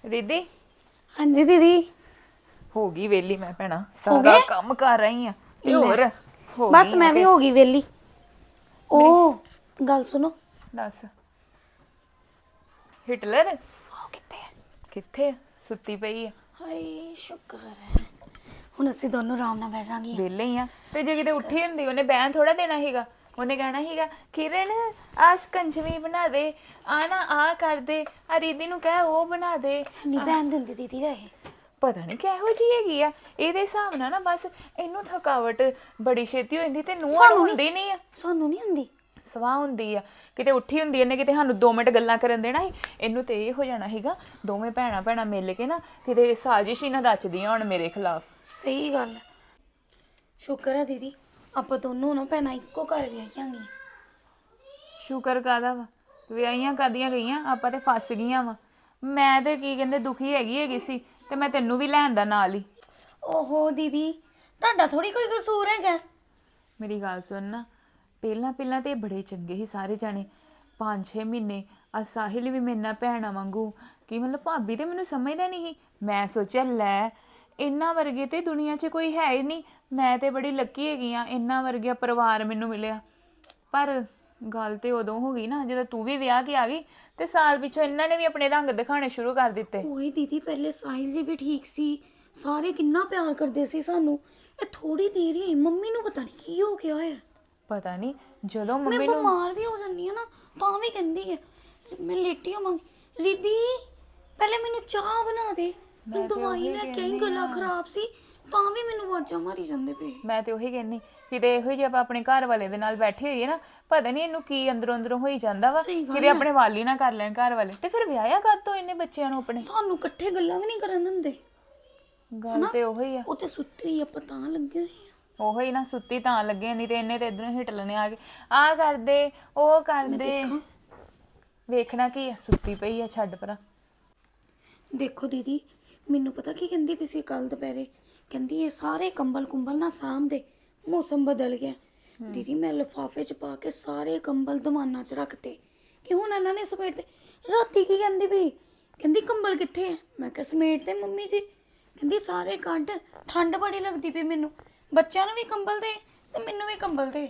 दीदी हाँ जी दीदी हो गई वेली मैं भैना सारा काम कर रही हां ते होर हो बस गई मैं भी हो गई वेली ओ गल सुनो दस हिटलर कितने किथे सुत्ती पई है हाय शुक्र है ਹੁਣ ਅਸੀਂ ਦੋਨੋਂ ਆਰਾਮ ਨਾਲ ਬਹਿ ਜਾਾਂਗੇ ਵੇਲੇ ਹੀ ਆ ਤੇ ਜੇ ਕਿਤੇ ਉੱਠੀ ਹੁੰਦੀ ਉਹਨੇ ਬੈਨ ਥੋੜਾ ਦੇਣਾ ਸੀਗਾ ਉਹਨੇ ਕਹਿਣਾ ਸੀਗਾ ਕਿਰਨ ਆ ਸਕੰਜਵੀ ਬਣਾ ਦੇ ਆ ਨਾ ਆ ਕਰ ਦੇ ਆ ਰੀਦੀ ਨੂੰ ਕਹਿ ਉਹ ਬਣਾ ਦੇ ਨਹੀਂ ਬੈਨ ਦਿੰਦੀ ਦੀਦੀ ਵੈਸੇ ਪਤਾ ਨਹੀਂ ਕਿਹੋ ਜੀ ਹੈਗੀ ਆ ਇਹਦੇ ਹਿਸਾਬ ਨਾਲ ਨਾ ਬਸ ਇਹਨੂੰ ਥਕਾਵਟ ਬੜੀ ਛੇਤੀ ਹੋ ਜਾਂਦੀ ਤੇ ਨੂੰਹਾਂ ਨੂੰ ਹੁੰਦੀ ਨਹੀਂ ਆ ਸਾਨੂੰ ਨਹੀਂ ਹੁੰਦੀ ਸਵਾਹ ਹੁੰਦੀ ਆ ਕਿਤੇ ਉੱਠੀ ਹੁੰਦੀ ਇਹਨੇ ਕਿਤੇ ਸਾਨੂੰ 2 ਮਿੰਟ ਗੱਲਾਂ ਕਰਨ ਦੇਣਾ ਸੀ ਇਹਨੂੰ ਤੇ ਇਹ ਹੋ ਜਾਣਾ ਸੀਗਾ ਦੋਵੇਂ ਭੈਣਾਂ ਮਿਲ ਕੇ ਨਾ ਕਿਤੇ ਸਾਜ਼ਿਸ਼ ਹੀ ਨਾ ਰਚਦੀਆਂ ਹੁਣ ਮੇਰੇ ਖਿਲਾਫ ਸਹੀ ਗੱਲ ਸ਼ੁਕਰ ਹੈ ਦੀਦੀ ਆਪਾਂ ਦੋਨੋਂ ਨਾ ਭੈਣਾਂ ਇੱਕੋ ਘਰ ਵਿਆਹੀਆਂਗੇ ਸ਼ੁਕਰ ਕਾਦਾ ਵਾ ਵਿਆਹੀਆਂ ਕਾਦੀਆਂ ਗਈਆਂ ਆਪਾਂ ਤੇ ਫਸ ਗਈਆਂ ਵਾ ਮੈਂ ਤੇ ਕੀ ਕਹਿੰਦੇ ਦੁਖੀ ਹੈਗੀ ਸੀ ਤੇ ਮੈਂ ਤੈਨੂੰ ਵੀ ਲੈਣ ਦਾ ਨਾਲ ਹੀ ਓਹੋ ਦੀਦੀ ਤੁਹਾਡਾ ਥੋੜੀ ਕੋਈ ਕਸੂਰ ਹੈਗਾ ਮੇਰੀ ਗੱਲ ਸੁਣ ਨਾ ਪਹਿਲਾਂ ਤੇ ਬੜੇ ਚੰਗੇ ਸੀ ਸਾਰੇ ਜਾਣੇ 5-6 ਮਹੀਨੇ ਆ ਸਾਹਿਲ ਵੀ ਮੇਰੇ ਨਾਲ ਭੈਣਾਂ ਵਾਂਗੂ ਕੀ ਮਤਲਬ ਭਾਬੀ ਤੇ ਮੈਨੂੰ ਸਮਝਦਾ ਨਹੀਂ ਸੀ ਮੈਂ ਸੋਚਿਆ ਲੈ ਇੰਨਾ ਵਰਗੇ ਤੇ ਦੁਨੀਆ 'ਚ ਕੋਈ ਹੈ ਹੀ ਨਹੀਂ ਮੈਂ ਤੇ ਬੜੀ ਲੱਕੀ ਹੈਗੀ ਆ ਇੰਨਾ ਵਰਗਾ ਪਰਿਵਾਰ ਮੈਨੂੰ ਮਿਲਿਆ ਪਰ ਗੱਲ ਤੇ ਉਦੋਂ ਹੋ ਗਈ ਨਾ ਜਦੋਂ ਤੂੰ ਵੀ ਵਿਆਹ ਕੇ ਆ ਗਈ ਤੇ ਸਾਲ ਪਿੱਛੋਂ ਇਹਨਾਂ ਨੇ ਵੀ ਆਪਣੇ ਰੰਗ ਦਿਖਾਣੇ ਸ਼ੁਰੂ ਕਰ ਦਿੱਤੇ ਓਏ ਦੀਦੀ ਪਹਿਲੇ ਸਾਹਿਲ ਜੀ ਵੀ ਠੀਕ ਸੀ ਸਾਰੇ ਕਿੰਨਾ ਪਿਆਰ ਕਰਦੇ ਸੀ ਸਾਨੂੰ ਇਹ ਥੋੜੀ ਦੇਰ ਹੀ ਮੰਮੀ ਨੂੰ ਪਤਾ ਨਹੀਂ ਕੀ ਹੋ ਗਿਆ ਹੈ ਪਤਾ ਨਹੀਂ ਜਦੋਂ ਮੈਂ ਮੰਮੀ ਨੂੰ ਬਿਮਾਰ ਵੀ ਹੋ ਜਾਂਦੀ ਆ ਨਾ ਤਾਂ ਵੀ ਕਹਿੰਦੀ ਹੈ ਮੈਂ ਲੇਟੀ ਹੋਵਾਂਗੀ ਰੀਦੀ ਪਹਿਲੇ ਮੈਨੂੰ ਚਾਹ ਬਣਾ ਦੇ ਮੈਂ ਦਵਾਈ ਲੈ ਕੇ ਆਈ ਗਲਾ ਖਰਾਬ ਸੀ ਤਾਂ ਵੀ ਮੈਨੂੰ ਆਵਾਜ਼ਾਂ ਮਾਰੀ ਜਾਂਦੇ ਪਏ ਮੈਂ ਤੇ ਉਹੀ ਕਹਿੰਨੀ ਕਿਤੇ ਇਹੋ ਜਿਹੇ ਆਪਾਂ ਆਪਣੇ ਘਰ ਵਾਲੇ ਦੇ ਨਾਲ ਬੈਠੇ ਹੋਈਏ ਨਾ ਪਤਾ ਨਹੀਂ ਇਹਨੂੰ ਕੀ ਅੰਦਰੋਂ ਹੋਈ ਜਾਂਦਾ ਵਾ ਕਿਤੇ ਆਪਣੇ ਵਾਲੀ ਨਾ ਕਰ ਲੈਣ ਘਰ ਵਾਲੇ ਤੇ ਫਿਰ ਵਿਆਹਿਆ ਕਦ ਤੋਂ ਇਹਨੇ ਬੱਚਿਆਂ ਨੂੰ ਆਪਣੇ ਸਾਨੂੰ ਇਕੱਠੇ ਗੱਲਾਂ ਵੀ ਨਹੀਂ ਕਰਨ ਦਿੰਦੇ ਗੱਲ ਤੇ ਉਹੀ ਆ ਉਹ ਤੇ ਸੁੱਤੀ ਆ ਪਤਾ ਲੱਗੇ ਹੋਏ ਆ ਉਹੀ ਨਾ ਸੁੱਤੀ ਤਾਂ ਲੱਗੇ ਨਹੀਂ ਤੇ ਇਹਨੇ ਤੇ ਇਧਰੋਂ ਹਿੱਟ ਲੈਣੇ ਆ ਕੇ ਆ ਕਰਦੇ ਉਹ ਕਰਦੇ ਵੇਖਣਾ ਕੀ ਆ ਸੁੱਤੀ ਪਈ ਆ ਛੱਡ ਪਰਾਂ ਦੇਖੋ ਦੀਦੀ ਮੈਨੂੰ ਪਤਾ ਕੀ ਕਹਿੰਦੀ ਪਈ ਸੀ ਕੱਲ ਦੁਪਹਿਰੇ ਕਹਿੰਦੀ ਇਹ ਸਾਰੇ ਕੰਬਲ ਕੁੰਬਲ ਨਾ ਸਾਂਭਦੇ ਮੌਸਮ ਬਦਲ ਗਿਆ ਦੀਦੀ ਮੈਂ ਲਿਫਾਫੇ 'ਚ ਪਾ ਕੇ ਸਾਰੇ ਕੰਬਲ ਦੀਵਾਨਾਂ 'ਚ ਰੱਖਤੇ ਕਿ ਹੁਣ ਇਹਨਾਂ ਨੇ ਸਮੇਟ ਤੇ ਰਾਤੀ ਕੀ ਕਹਿੰਦੀ ਵੀ ਕਹਿੰਦੀ ਕੰਬਲ ਕਿੱਥੇ ਹੈ ਮੈਂ ਕਿਹਾ ਸਮੇਟ ਤੇ ਮੰਮੀ ਜੀ ਕਹਿੰਦੀ ਸਾਰੇ ਕੱਢ ਠੰਡ ਬੜੀ ਲੱਗਦੀ ਪਈ ਮੈਨੂੰ ਬੱਚਿਆਂ ਨੂੰ ਵੀ ਕੰਬਲ ਦੇ ਤੇ ਮੈਨੂੰ ਵੀ ਕੰਬਲ ਦੇ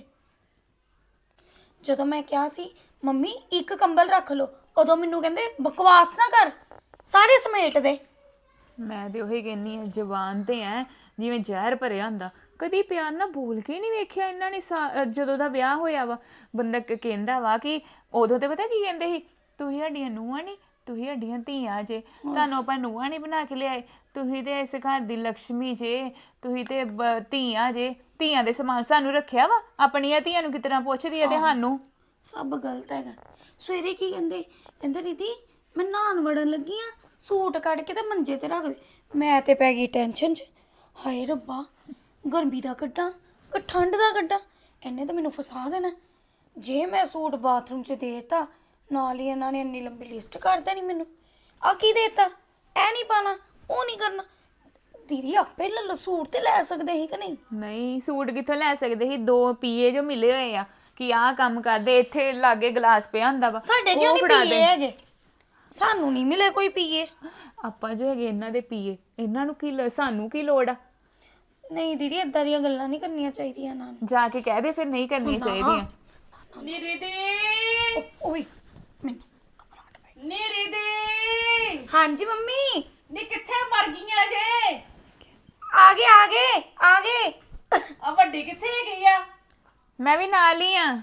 ਜਦੋਂ ਮੈਂ ਕਿਹਾ ਸੀ ਮੰਮੀ ਇੱਕ ਕੰਬਲ ਰੱਖ ਲਓ ਉਦੋਂ ਮੈਨੂੰ ਕਹਿੰਦੇ ਬਕਵਾਸ ਨਾ ਕਰ ਸਾਰੇ ਸਮੇਟ ਦੇ ਮੈਂ ਤੇ ਉਹੀ ਕਹਿੰਨੀ ਆ ਜ਼ਬਾਨ ਤੇ ਐ ਜਿਵੇਂ ਜ਼ਹਿਰ ਭਰਿਆ ਹੁੰਦਾ ਕਦੀ ਪਿਆਰ ਨਾਲ ਬੋਲ ਕੇ ਨਹੀਂ ਵੇਖਿਆ ਇਹਨਾਂ ਨੇ ਜਦੋਂ ਦਾ ਵਿਆਹ ਹੋਇਆ ਵਾ ਬੰਦਾ ਕਹਿੰਦਾ ਵਾ ਕਿ ਉਦੋਂ ਤੇ ਪਤਾ ਕੀ ਕਹਿੰਦੇ ਸੀ ਤੁਸੀਂ ਸਾਡੀਆਂ ਨੂੰਹਾਂ ਨਹੀਂ ਤੁਸੀਂ ਸਾਡੀਆਂ ਧੀਆਂ ਜੇ ਤੁਹਾਨੂੰ ਆਪਾਂ ਨੂੰਹਾਂ ਨਹੀਂ ਬਣਾ ਕੇ ਲਿਆਏ ਤੁਸੀਂ ਤੇ ਇਸ ਘਰ ਦੀ ਲక్ష్ਮੀ ਜੇ ਤੁਸੀਂ ਤੇ ਧੀਆਂ ਜੇ ਧੀਆਂ ਦੇ ਸਮਾਨ ਸਾਨੂੰ ਰੱਖਿਆ ਵਾ ਆਪਣੀਆਂ ਧੀਆਂ ਨੂੰ ਕਿਸ ਤਰ੍ਹਾਂ ਪੁੱਛਦੀ ਆ ਤੇ ਸਾਨੂੰ ਸਭ ਗਲਤ ਹੈਗਾ ਸਵੇਰੇ ਕੀ ਕਹਿੰਦੇ ਦੀਦੀ ਮੈਂ ਨਹਾਉਣ ਵੜਨ ਲੱਗੀ ਆ ਸੂਟ ਕੱਢ ਕੇ ਤੇ ਮੰਜੇ ਤੇ ਰੱਖ ਦੇ ਮੈਂ ਤੇ ਪੈ ਗਈ ਟੈਨਸ਼ਨ 'ਚ ਹਾਏ ਰੱਬਾ ਗਰਮੀ ਦਾ ਕੱਢਾਂ ਕਿ ਠੰਡ ਦਾ ਕੱਢਾਂ ਇਹਨੇ ਤਾਂ ਮੈਨੂੰ ਫਸਾ ਦੇਣਾ ਜੇ ਮੈਂ ਸੂਟ ਬਾਥਰੂਮ 'ਚ ਦੇਤਾ ਨਾਲ ਹੀ ਇਹਨਾਂ ਨੇ ਇੰਨੀ ਲੰਬੀ ਲਿਸਟ ਕਰ ਦੇਣੀ ਮੈਨੂੰ ਆ ਕੀ ਦੇਤਾ ਇਹ ਨਹੀਂ ਪਾਣਾ ਉਹ ਨਹੀਂ ਕਰਨਾ ਦੀਦੀ ਆਪੇ ਸੂਟ ਤੇ ਲੈ ਸਕਦੇ ਸੀ ਕਿ ਨਹੀਂ ਸੂਟ ਕਿੱਥੋਂ ਲੈ ਸਕਦੇ ਸੀ 2 ਪੀਏ ਜੋ ਮਿਲੇ ਹੋਏ ਆ ਕਿ ਆਹ ਕੰਮ ਕਰਦੇ ਇੱਥੇ ਲਾਗੇ ਗਲਾਸ ਪਿਆ ਹੁੰਦਾ ਵਾ ਸਾਡੇ ਕਿਉਂ ਨਹੀਂ ਪੀਏ ਹੈਗੇ ਸਾਨੂੰ ਨਹੀਂ ਮਿਲੇ ਕੋਈ ਪੀਏ ਆਪਾਂ ਜੋ ਹੈਗੇ ਇਹਨਾਂ ਦੇ ਪੀਏ ਇਹਨਾਂ ਨੂੰ ਕੀ ਸਾਨੂੰ ਕੀ ਲੋੜ ਆ ਨਹੀਂ ਦੀਦੀ ਏਦਾਂ ਦੀਆਂ ਗੱਲਾਂ ਨਹੀਂ ਕਰਨੀਆਂ ਚਾਹੀਦੀਆਂ ਨਾ ਜਾ ਕੇ ਕਹਿ ਦੇ ਫਿਰ ਨਹੀਂ ਕਰਨੀਆਂ ਚਾਹੀਦੀਆਂ ਨੀਰੇ ਦੇ ਓਏ ਮੈਨੂੰ ਘਬਰਾਹਟ ਪਈ ਨੀਰੇ ਦੇ ਹਾਂਜੀ ਮੰਮੀ ਨੀ ਕਿੱਥੇ ਮਰ ਗਈਆਂ ਜੇ ਆ ਗਏ ਆ ਵੱਡੀ ਕਿੱਥੇ ਗਈ ਆ ਮੈਂ ਵੀ ਨਾਲ ਹੀ ਆ